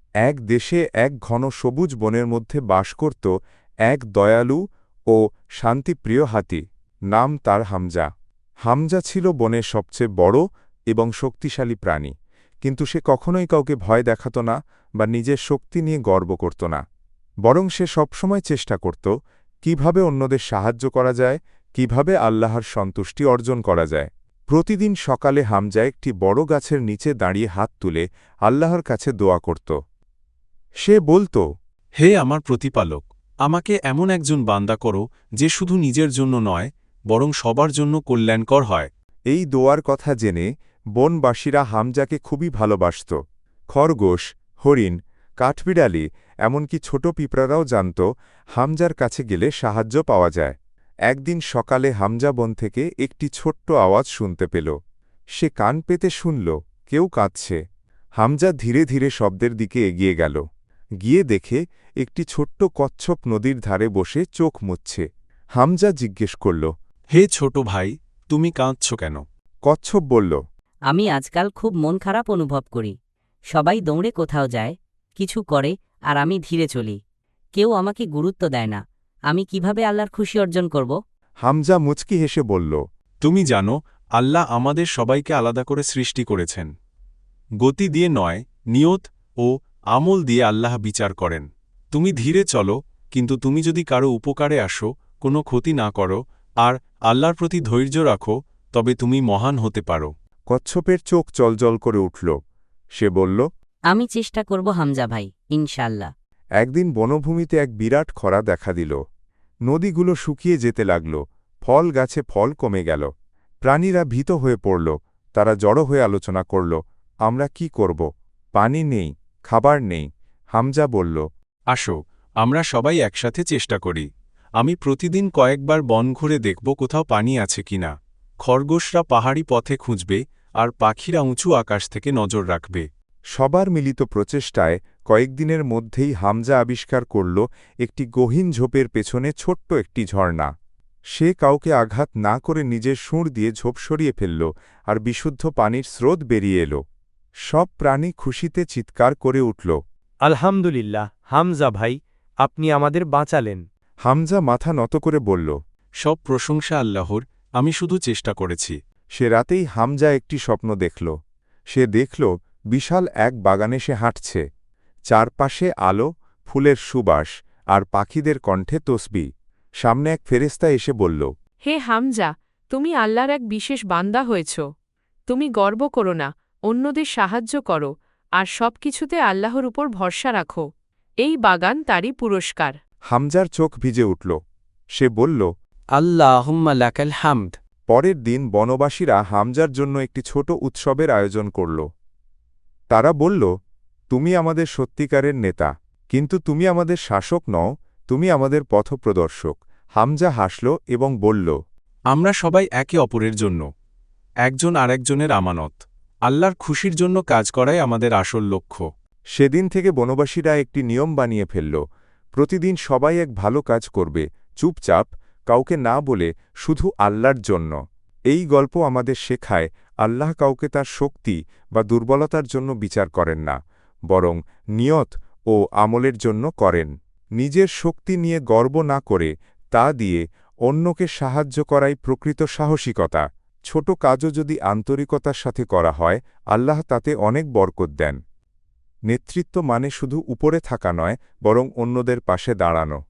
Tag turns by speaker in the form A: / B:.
A: এক দেশে এক ঘন সবুজ বনের মধ্যে বাস করত এক দয়ালু ও শান্তিপ্রিয় হাতি। নাম তার হামজা। হামজা ছিল বনের সবচেয়ে বড় এবং শক্তিশালী প্রাণী, কিন্তু সে কখনোই কাউকে ভয় দেখাত না বা নিজের শক্তি নিয়ে গর্ব করত না। বরং সে সবসময় চেষ্টা করত কিভাবে অন্যদের সাহায্য করা যায়, কিভাবে আল্লাহর সন্তুষ্টি অর্জন করা যায়। প্রতিদিন সকালে হামজা একটি বড় গাছের নিচে দাঁড়িয়ে হাত তুলে আল্লাহর কাছে দোয়া করত। সে বলত,
B: হে আমার প্রতিপালক, আমাকে এমন একজন বান্দা করো যে শুধু নিজের জন্য নয়, বরং সবার জন্য কল্যাণকর হয়।
A: এই দোয়ার কথা জেনে বনবাসীরা হামজাকে খুবই ভালোবাসত। খরগোশ, হরিণ, কাঠবিড়ালি, এমনকি ছোট পিঁপড়ারাও জানত হামজার কাছে গেলে সাহায্য পাওয়া যায়। একদিন সকালে হামজা বন থেকে একটি ছোট্ট আওয়াজ শুনতে পেল। সে কান পেতে শুনল কেউ কাঁদছে। হামজা ধীরে ধীরে শব্দের দিকে এগিয়ে গেল। গিয়ে দেখে একটি ছোট্ট কচ্ছপ নদীর ধারে বসে চোখ মুছছে। হামজা জিজ্ঞেস করল,
B: হে ছোট ভাই, তুমি কাঁদছ কেন?
A: কচ্ছপ বলল,
C: আমি আজকাল খুব মন খারাপ অনুভব করি। সবাই দৌড়ে কোথাও যায়, কিছু করে, আর আমি ধীরে চলি। কেউ আমাকে গুরুত্ব দেয় না। আমি কিভাবে আল্লাহর খুশি অর্জন করব?
A: হামজা মুচকি হেসে বলল,
B: তুমি জানো, আল্লাহ আমাদের সবাইকে আলাদা করে সৃষ্টি করেছেন। গতি দিয়ে নয়, নিয়ত ও আমল দিয়ে আল্লাহ বিচার করেন। তুমি ধীরে চলো, কিন্তু তুমি যদি কারো উপকারে আসো, কোনো ক্ষতি না করো, আর আল্লাহর প্রতি ধৈর্য রাখো, তবে তুমি মহান হতে পারো।
A: কচ্ছপের চোখ জলজল করে উঠল। সে বলল,
C: আমি চেষ্টা করব হামজা ভাই, ইনশাল্লাহ।
A: একদিন বনভূমিতে এক বিরাট খরা দেখা দিল। নদীগুলো শুকিয়ে যেতে লাগল, ফল গাছে ফল কমে গেল। প্রাণীরা ভীত হয়ে পড়ল। তারা জড়ো হয়ে আলোচনা করল, আমরা কি করব? পানি নেই, খাবার নেই। হামজা বলল,
B: আসো, আমরা সবাই একসাথে চেষ্টা করি। আমি প্রতিদিন কয়েকবার বন ঘুরে দেখব কোথাও পানি আছে কিনা। খরগোশরা পাহাড়ি পথে খুঁজবে, আর পাখিরা উঁচু আকাশ থেকে নজর রাখবে।
A: সবার মিলিত প্রচেষ্টায় কয়েকদিনের মধ্যেই হামজা আবিষ্কার করল একটি গহীন ঝোপের পেছনে ছোট্ট একটি ঝর্ণা। সে কাউকে আঘাত না করে নিজের সুঁড় দিয়ে ঝোপ সরিয়ে ফেলল, আর বিশুদ্ধ পানির স্রোত বেরিয়ে এল। সব প্রাণী খুশিতে চিৎকার করে উঠল,
D: আলহামদুলিল্লাহ, হামজা ভাই, আপনি আমাদের বাঁচালেন।
A: হামজা মাথা নত করে বলল,
B: সব প্রশংসা আল্লাহর, আমি শুধু চেষ্টা করেছি।
A: সে রাতেই হামজা একটি স্বপ্ন দেখল। সে দেখল বিশাল এক বাগানে সে হাঁটছে। চারপাশে আলো, ফুলের সুবাস, আর পাখিদের কণ্ঠে তসবিহ। সামনে এক ফেরেশতা এসে বলল,
E: হে হামজা, তুমি আল্লাহর এক বিশেষ বান্দা হয়েছ। তুমি গর্ব করো না, অন্যদের সাহায্য করো, আর সবকিছুতে আল্লাহর উপর ভরসা রাখো। এই বাগান তারই পুরস্কার।
A: হামজার চোখ ভিজে উঠল। সে বলল,
D: আল্লাহুম্মা লাকাল হামদ।
A: পরের দিন বনবাসীরা হামজার জন্য একটি ছোট উৎসবের আয়োজন করল। তারা বলল, তুমি আমাদের সত্যিকারের নেতা, কিন্তু তুমি আমাদের শাসক নও, তুমি আমাদের পথপ্রদর্শক। হামজা হাসল এবং বলল,
B: আমরা সবাই একে অপরের জন্য, একজন আরেকজনের আমানত। আল্লাহর খুশির জন্য কাজ করাই আমাদের আসল লক্ষ্য।
A: সেদিন থেকে বনবাসীরা একটি নিয়ম বানিয়ে ফেলল, প্রতিদিন সবাই এক ভালো কাজ করবে, চুপচাপ, কাউকে না বলে, শুধু আল্লাহর জন্য। এই গল্প আমাদের শেখায় আল্লাহ কাউকে তার শক্তি বা দুর্বলতার জন্য বিচার করেন না, বরং নিয়ত ও আমলের জন্য করেন। নিজের শক্তি নিয়ে গর্ব না করে তা দিয়ে অন্যকে সাহায্য করাই প্রকৃত সাহসিকতা। ছোট কাজও যদি আন্তরিকতার সাথে করা হয়, আল্লাহ তাতে অনেক বরকত দেন। নেতৃত্ব মানে শুধু উপরে থাকা নয়, বরং অন্যদের পাশে দাঁড়ানো।